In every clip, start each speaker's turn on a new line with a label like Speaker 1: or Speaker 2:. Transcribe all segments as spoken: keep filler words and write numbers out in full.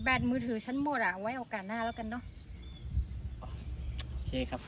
Speaker 1: แบตมือถือฉันหมดอะไว้โอกาสหน้าแล้วกันเนาะ
Speaker 2: โอเคครับ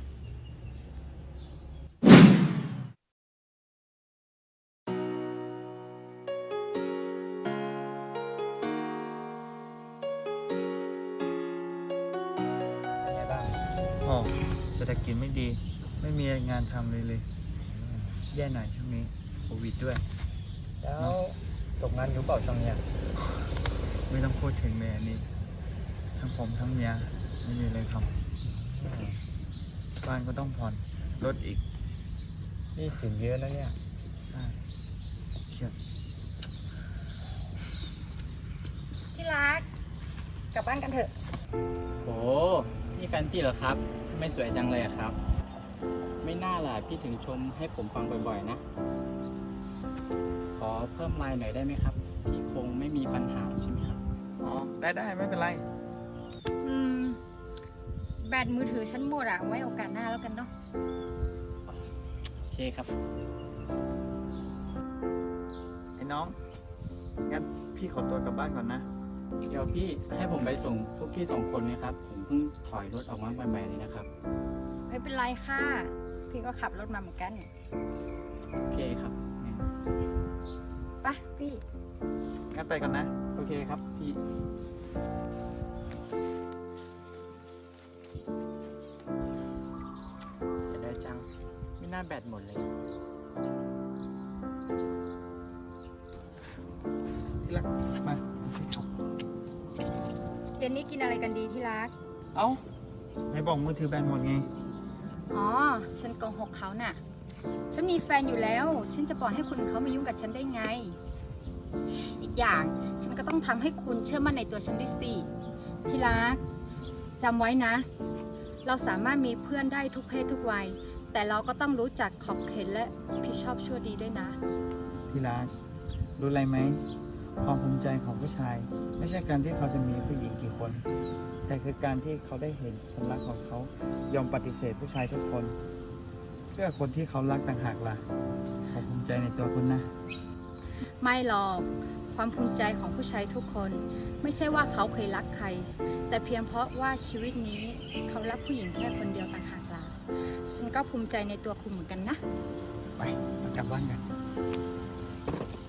Speaker 2: เป็นไงบ้าง
Speaker 3: อ๋อเศรษฐกิจไม่ดี ไม่มีงานทำเลยเลย แย่หน่อยช่วงนี้โควิดด้วย
Speaker 2: แล้วตกงานอยู่เปล่าช่วงเนี้ย
Speaker 3: ไม่ต้องพูดถึงเลยอันนี้ ทั้งผมทั้งเมียไม่มีเลยครับบ้านก็ต้องผ่อนรถอีก
Speaker 2: นี่สินเยอะนะเนี่ย
Speaker 3: ใช่เครียด
Speaker 1: ที่รักกลับบ้านกันเถอะ
Speaker 2: โอ้นี่แฟนพี่เหรอครับทำไม่สวยจังเลยอะครับ ไม่น่าล่ะพี่ถึงชมให้ผมฟังบ่อยๆนะ ขอเพิ่มไลน์หน่อยได้ไหมครับ พี่คงไม่มีปัญหาใช่ไหมครับ
Speaker 3: อ๋อได้ได้ไม่เป็นไร
Speaker 1: อืมแบตมือถือฉันหมดอะไว้โอกาสหน้าแล้วกันเนาะ
Speaker 2: โอเคครับ
Speaker 3: ไอ้น้องงั้นพี่ขอตัวกลับบ้านก่อนนะ
Speaker 2: เดี๋ยวพี่ให้ผมไปส่งพวกพี่สองคนไหมครับ ผมเพิ่งถอยรถออกมาใหม่ๆเลยนะครับ
Speaker 1: ไม่เป็นไรค่ะพี่ก็ขับรถมาเหมือนกัน
Speaker 2: โอเคครับงั้น
Speaker 1: ไปพี่
Speaker 3: งั้นไปก่อนนะ
Speaker 2: โอเคครับพี่ เสียดายจัง ไม่น่าแบตหมดเลย
Speaker 3: ที่รักมาพี่ขับ
Speaker 1: เย็นนี้กินอะไรกันดีที่รัก
Speaker 3: เอ้าไหนบอกมือถือแบนหมดไง
Speaker 1: อ๋อฉันโกหกเขาน่ะฉันมีแฟนอยู่แล้วฉันจะปล่อยให้คุณเขามายุ่งกับฉันได้ไง อีกอย่างฉันก็ต้องทำให้คุณเชื่อมั่นในตัวฉันด้วยสิที่รักจำไว้นะ เราสามารถมีเพื่อนได้ทุกเพศทุกวัยแต่เราก็ต้องรู้จักขอบเขตและผิดชอบชั่วดีด้วยนะ
Speaker 3: ที่รักรู้อะไรไหมความภูมิใจของผู้ชาย ไม่ใช่การที่เขาจะมีผู้หญิงกี่คน แต่คือการที่เขาได้เห็นคนรักของเขายอมปฏิเสธผู้ชายทุกคน เพื่อคนที่เขารักต่างหากล่ะผมภูมิใจในตัวคุณนะ
Speaker 1: ไม่หรอกความภูมิใจของผู้ชายทุกคน ไม่ใช่ว่าเขาเคยรักใคร แต่เพียงเพราะว่าชีวิตนี้เขารักผู้หญิงแค่คนเดียวต่างหากล่ะฉันก็ภูมิใจในตัวคุณเหมือนกันนะ
Speaker 3: ไปมากลับบ้านกัน